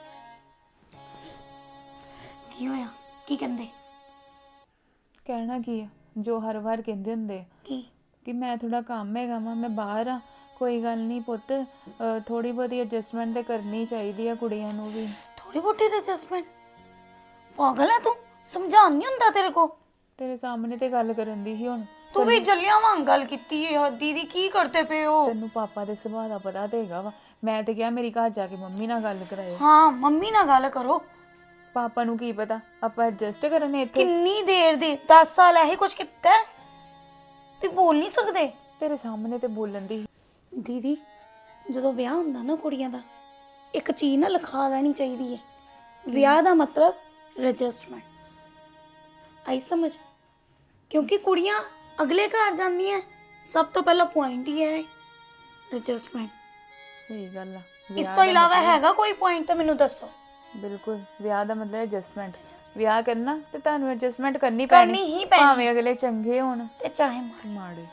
ਕੀ ਹੋਇਆ? ਕੀ ਕਹਿੰਦੇ? ਕਹਿਣਾ ਕੀ ਆ, ਜੋ ਹਰ ਵਾਰ ਕਹਿੰਦੇ ਹੁੰਦੇ ਆ ਕੀ? ਕਿ ਮੈਂ ਥੋੜਾ ਕੰਮ ਹੈਗਾ ਵਾ, ਮੈਂ ਬਾਹਰ ਆ। ਕੋਈ ਗੱਲ ਨਹੀਂ ਪੁੱਤ, ਥੋੜੀ ਬਹੁਤੀ ਐਡਜਸਟਮੈਂਟ ਤੇ ਕਰਨੀ ਚਾਹੀਦੀ ਆ ਕੁੜੀਆਂ ਨੂੰ ਵੀ। ਥੋੜੀ ਬੋਟੀ ਐਡਜਸਟਮੈਂਟ? ਪਾਗਲ ਹੈ ਤੂੰ? ਸਮਝਾਉਣ ਨਹੀਂ ਹੁੰਦਾ ਤੇਰੇ ਕੋ? ਤੇਰੇ ਸਾਹਮਣੇ ਤੇ ਗੱਲ ਕਰਨ ਦੀ ਸੀ ਹੁਣ। ਤੂੰ ਵੀ ਜੱਲਿਆਂ ਵਾਂਗ ਗੱਲ ਕੀਤੀ ਹੈ। ਦੀਦੀ ਕੀ ਕਰਦੇ ਪਏ ਹੋ? ਤੈਨੂੰ ਪਾਪਾ ਦੇ ਸੁਭਾਅ ਦਾ ਪਤਾ ਤੇ ਹੈਗਾ ਵਾ। ਮੈਂ ਤੇ ਕਿਹਾ ਮੇਰੀ ਘਰ ਜਾ ਕੇ ਮੰਮੀ ਨਾਲ ਗੱਲ ਕਰਾਇਓ। ਹਾਂ, ਮੰਮੀ ਨਾਲ ਗੱਲ ਕਰੋ। ਪਾਪਾ ਨੂੰ ਕੀ ਪਤਾ ਆਪਾਂ ਐਡਜਸਟ ਕਰਨੇ ਇੱਥੇ। ਕਿੰਨੀ ਦੇਰ ਦੀ 10 ਸਾਲ ਇਹੀ ਕੁਝ ਕੀਤਾ ਹੈ? ਤੇ ਬੋਲ ਨਹੀਂ ਸਕਦੇ? ਤੇਰੇ ਸਾਹਮਣੇ ਤੇ ਬੋਲਣ ਦੀ। ਦੀਦੀ, ਜਦੋਂ ਵਿਆਹ ਹੁੰਦਾ ਨਾ ਕੁੜੀਆਂ ਦਾ, ਇੱਕ ਚੀਜ਼ ਨਾ ਲਿਖਾ ਲੈਣੀ ਚਾਹੀਦੀ ਹੈ। ਵਿਆਹ ਦਾ ਮਤਲਬ ਰਜਿਸਟਰਮੈਂਟ। ਆਈ ਸਮਝ? ਕਿਉਂਕਿ ਕੁੜੀਆਂ ਅਗਲੇ ਘਰ ਜਾਂਦੀਆਂ, ਸਭ ਤੋਂ ਪਹਿਲਾ ਪੁਆਇੰਟ ਹੀ ਹੈ ਰਜਿਸਟਰਮੈਂਟ। ਸਹੀ ਗੱਲ ਆ। ਇਸ ਤੋਂ ਇਲਾਵਾ ਹੈਗਾ ਕੋਈ ਪੁਆਇੰਟ ਤਾਂ ਮੈਨੂੰ ਦੱਸੋ। ਬਿਲਕੁਲ, ਵਿਆਹ ਦਾ ਮਤਲਬ ਐਡਜਸਟਮੈਂਟ। ਵਿਆਹ ਕਰਨਾ ਤੇ ਤੁਹਾਨੂੰ ਐਡਜਸਟਮੈਂਟ ਕਰਨੀ ਕਰਨੀ ਹੀ ਪੈਣੀ। ਭਾਵੇਂ ਅਗਲੇ ਚੰਗੇ ਹੋਣ ਤੇ ਚਾਹੇ ਮਾੜੇ।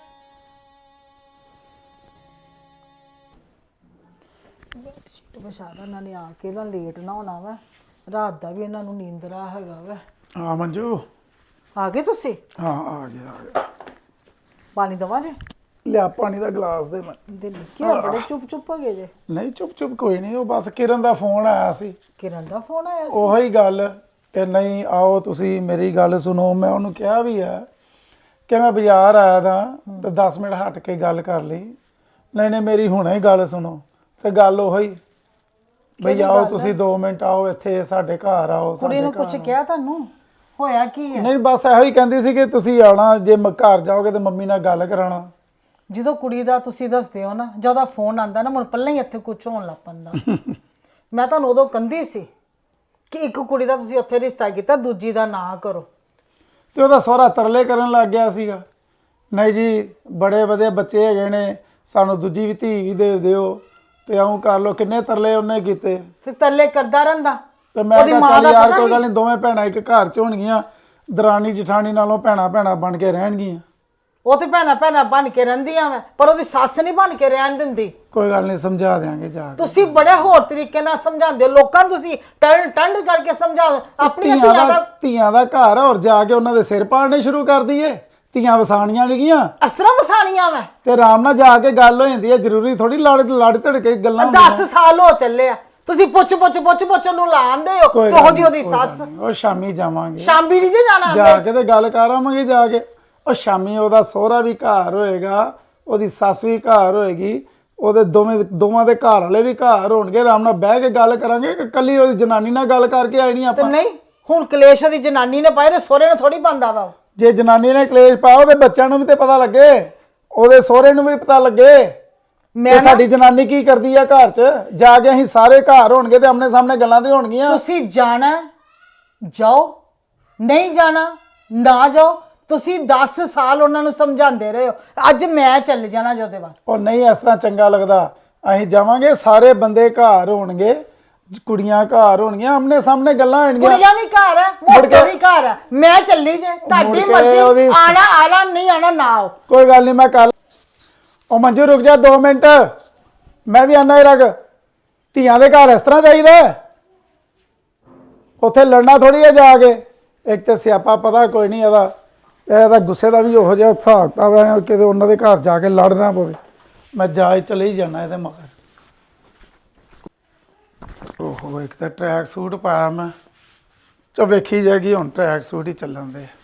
ਵਿਚਾਰਾ ਨਾਲੇ ਆ ਕੇ ਨਾ ਲੇਟ ਨਾ ਹੋਣਾ ਵਾ, ਰਾਤ ਦਾ ਵੀ ਇਹਨਾਂ ਨੂੰ ਨੀਂਦਰਾ ਹੈਗਾ ਵਾ। ਹਾਂ ਮੰਜੂ, ਆ ਗਏ ਤੁਸੀਂ? ਹਾਂ ਆ ਗਿਆ। ਪਾਣੀ ਦਵਾ ਜੇ? ਲਿਆ ਪਾਣੀ ਦਾ ਗਲਾਸ ਦੇ ਮੈਂ। ਦਿਲ ਕੀ ਬੜੇ ਚੁੱਪ ਚੁੱਪ ਹੋ ਗਏ ਜੇ। ਨਹੀਂ ਚੁੱਪ ਚੁੱਪ ਕੋਈ ਨਹੀਂ, ਉਹ ਬਸ ਕਿਰਨ ਦਾ ਫੋਨ ਆਇਆ ਸੀ। ਕਿਰਨ ਦਾ ਫੋਨ ਆਇਆ ਸੀ? ਉਹੀ ਗੱਲ ਕਿ ਨਹੀਂ ਆਓ ਤੁਸੀਂ ਮੇਰੀ ਗੱਲ ਸੁਣੋ। ਮੈਂ ਉਹਨੂੰ ਕਿਹਾ ਵੀ ਹੈ ਕਿ ਮੈਂ ਬਾਜ਼ਾਰ ਆਇਆ ਤਾਂ ਤੇ 10 ਮਿੰਟ ਹਟ ਕੇ ਗੱਲ ਕਰ ਲਈ। ਨਹੀਂ ਮੇਰੀ ਹੁਣੇ ਹੀ ਗੱਲ ਸੁਣੋ। ਤੇ ਗੱਲ ਉਹੀ ਬਈ ਆਓ ਤੁਸੀਂ 2 ਮਿੰਟ ਆਓ ਇੱਥੇ ਸਾਡੇ ਘਰ ਆਓ। ਕੁੜੀ ਨੂੰ ਕੁਝ ਕਿਹਾ ਤੁਹਾਨੂੰ? ਹੋਇਆ ਕੀ ਹੈ? ਨਹੀਂ ਬਸ ਇਹੋ ਹੀ ਕਹਿੰਦੀ ਸੀ ਕਿ ਤੁਸੀਂ ਆਉਣਾ, ਜੇ ਘਰ ਜਾਓਗੇ ਤੇ ਮੰਮੀ ਨਾਲ ਗੱਲ ਕਰਾਉਣਾ। ਜਦੋਂ ਕੁੜੀ ਦਾ ਤੁਸੀਂ ਦੱਸਦੇ ਹੋ ਨਾ, ਜਦੋਂ ਫੋਨ ਆਂਦਾ ਨਾ ਮੈਨੂੰ ਪਹਿਲਾਂ ਹੀ ਇੱਥੇ ਕੁਝ ਹੋਣ ਲੱਗ ਪੈਂਦਾ। ਮੈਂ ਤੁਹਾਨੂੰ ਉਦੋਂ ਕਹਿੰਦੀ ਸੀ ਕਿ ਇੱਕ ਕੁੜੀ ਦਾ ਤੁਸੀਂ ਉੱਥੇ ਰਿਸ਼ਤਾ ਕੀਤਾ, ਦੂਜੀ ਦਾ ਨਾ ਕਰੋ। ਤੇ ਉਹਦਾ ਸਹੁਰਾ ਤਰਲੇ ਕਰਨ ਲੱਗ ਗਿਆ ਸੀਗਾ, ਨਹੀਂ ਜੀ ਬੜੇ ਵਧੀਆ ਬੱਚੇ ਹੈਗੇ ਨੇ, ਸਾਨੂੰ ਦੂਜੀ ਵੀ ਧੀ ਵੀ ਦੇ ਦਿਓ ਤੇ ਆਉਂ ਕਰ ਲਓ। ਕਿੰਨੇ ਤਰਲੇ ਉਹਨੇ ਕੀਤੇ ਤੇ ਤੱਲੇ ਕਰਦਾ ਰਹਿੰਦਾ। ਤੇ ਮੈਂ ਕਿਹਾ ਚੱਲ ਯਾਰ ਕੋਈ ਗੱਲ ਨਹੀਂ, ਦੋਵੇਂ ਭੈਣਾਂ ਇੱਕ ਘਰ 'ਚ ਹੋਣਗੀਆਂ, ਦਰਾਣੀ ਜਠਾਣੀ ਨਾਲੋਂ ਭੈਣਾਂ ਬਣ ਕੇ ਰਹਿਣਗੀਆਂ। ਉਹ ਤੇ ਭੈਣਾਂ ਬਣ ਕੇ ਰਹਿੰਦੀਆਂ ਵਾ, ਪਰ ਉਹਦੀ ਸੱਸ ਨਹੀਂ ਬਣ ਕੇ ਰਹਿਣ ਦਿੰਦੀ। ਕੋਈ ਗੱਲ ਨਹੀਂ, ਸਮਝਾ ਦਿਆਂਗੇ ਜਾ ਕੇ। ਤੁਸੀਂ ਬੜੇ ਹੋਰ ਤਰੀਕੇ ਨਾਲ ਸਮਝਾਉਂਦੇ ਹੋ ਲੋਕਾਂ ਨੂੰ, ਤੁਸੀਂ ਟੰਡ ਕਰਕੇ ਸਮਝਾਓ। ਆਪਣੀਆਂ ਧੀਆਂ ਦਾ ਘਰ ਆ, ਔਰ ਜਾ ਕੇ ਉਹਨਾਂ ਦੇ ਸਿਰ ਪਾੜਨੇ ਸ਼ੁਰੂ ਕਰ ਦਈਏ। ਧੀਆਂ ਵਸਾਣੀਆਂ ਨਹੀਂ ਗੀਆਂ, ਇਸ ਤਰ੍ਹਾਂ ਵਸਾਣੀਆਂ ਵਾ। ਤੇ ਆਰਾਮ ਨਾਲ ਜਾ ਕੇ ਗੱਲ ਹੋ ਜਾਂਦੀ ਹੈ। ਜ਼ਰੂਰੀ ਥੋੜੀ ਲੜ ਧੜ ਕੇ ਗੱਲਾਂ 10 ਸਾਲ ਹੋ ਚੱਲੇ ਆ, ਤੁਸੀਂ ਪੁੱਛ ਨੂੰ ਲਾਉਂਦੇ ਹੋ। ਉਹੋ ਜਿਹੀ ਉਹਦੀ ਸੱਸ। ਉਹ ਸ਼ਾਮੀ ਜਾਵਾਂਗੇ, ਸ਼ਾਮੀ ਨਹੀਂ ਜੇ ਜਾਣਾ। ਜਾ ਕੇ ਤੇ ਗੱਲ ਕਰ ਆਵਾਂਗੇ ਜਾ ਕੇ। ਉਹ ਸ਼ਾਮੀ ਉਹਦਾ ਸਹੁਰਾ ਵੀ ਘਰ ਹੋਏਗਾ, ਉਹਦੀ ਸੱਸ ਵੀ ਘਰ ਹੋਏਗੀ, ਉਹਦੇ ਦੋਵਾਂ ਦੇ ਘਰ ਵਾਲੇ ਵੀ ਘਰ ਹੋਣਗੇ। ਆਰਾਮ ਨਾਲ ਬਹਿ ਕੇ ਗੱਲ ਕਰਾਂਗੇ। ਕੱਲੀ ਉਹਦੀ ਜਨਾਨੀ ਨਾਲ ਗੱਲ ਕਰਕੇ ਆਈ ਨਹੀਂ ਤੇ ਆਪਾਂ। ਨਹੀਂ ਹੁਣ ਕਲੇਸ਼ ਉਹਦੀ ਜਨਾਨੀ ਨੇ ਪਾਏ ਨੇ, ਸਹੁਰੇ ਨੇ ਥੋੜੀ ਪਾਉਂਦਾ ਵਾ। ਜੇ ਜਨਾਨੀ ਨੇ ਕਲੇਸ਼ ਪਾਇਆ, ਉਹਦੇ ਬੱਚਿਆਂ ਨੂੰ ਵੀ ਤੇ ਪਤਾ ਲੱਗੇ, ਉਹਦੇ ਸਹੁਰੇ ਨੂੰ ਵੀ ਪਤਾ ਲੱਗੇ ਕਿ ਸਾਡੀ ਜਨਾਨੀ ਕੀ ਕਰਦੀ ਆ ਘਰ 'ਚ। ਜਾ ਕੇ ਅਸੀਂ ਸਾਰੇ ਘਰ ਹੋਣਗੇ ਤੇ ਆਮਣੇ ਸਾਹਮਣੇ ਗੱਲਾਂ ਤੇ ਹੋਣਗੀਆਂ। ਤੁਸੀਂ ਜਾਣਾ ਜਾਓ, ਨਹੀਂ ਜਾਣਾ ਨਾ ਜਾਓ। ਤੁਸੀਂ 10 ਸਾਲ ਉਹਨਾਂ ਨੂੰ ਸਮਝਾਉਂਦੇ ਰਹੇ ਹੋ, ਅੱਜ ਮੈਂ ਚੱਲ ਜਾਣਾ ਜਿਹਦੇ ਬਾਅਦ। ਉਹ ਨਹੀਂ ਇਸ ਤਰ੍ਹਾਂ ਚੰਗਾ ਲੱਗਦਾ। ਅਸੀਂ ਜਾਵਾਂਗੇ, ਸਾਰੇ ਬੰਦੇ ਘਰ ਹੋਣਗੇ, ਕੁੜੀਆਂ ਘਰ ਹੋਣਗੀਆਂ, ਆਮਣੇ ਸਾਹਮਣੇ ਗੱਲਾਂ ਹੋਣਗੀਆਂ। ਕੁੜੀਆਂ ਵੀ ਘਰ ਹੈ, ਮੋਟੇ ਵੀ ਘਰ ਹੈ। ਮੈਂ ਚੱਲੀ ਜੇ, ਤੁਹਾਡੀ ਮਰਜ਼ੀ। ਆਣਾ ਨਹੀਂ ਆਣਾ ਨਾ ਆਓ। ਕੋਈ ਗੱਲ ਨਹੀਂ, ਮੈਂ ਕੱਲ। ਉਹ ਮੰਜੂ ਰੁਕ ਜਾ 2 ਮਿੰਟ, ਮੈਂ ਵੀ ਆਣਾ ਹੀ ਰਗ। ਧੀਆਂ ਦੇ ਘਰ ਇਸ ਤਰ੍ਹਾਂ ਜਾਈਦਾ, ਉੱਥੇ ਲੜਨਾ ਥੋੜੀ ਹੈ ਜਾ ਕੇ। ਇੱਕ ਤੇ ਸਿਆਪਾ ਪਤਾ ਕੋਈ ਨਹੀਂ ਇਹਦਾ ਗੁੱਸੇ ਦਾ ਵੀ ਉਹੋ ਜਿਹਾ ਹਿਸਾਬ ਕਿਤਾਬ ਹੈ, ਕਿਤੇ ਉਹਨਾਂ ਦੇ ਘਰ ਜਾ ਕੇ ਲੜਨਾ ਪਵੇ। ਮੈਂ ਜਾ ਚਲੇ ਹੀ ਜਾਣਾ ਇਹਦੇ ਮਗਰ। ਓਹੋ ਇੱਕ ਤਾਂ ਟਰੈਕ ਸੂਟ ਪਾਇਆ ਮੈਂ, ਚਾ ਵੇਖੀ ਜਾਏਗੀ ਹੁਣ ਟਰੈਕ ਸੂਟ ਹੀ ਚੱਲਣ ਦੇ।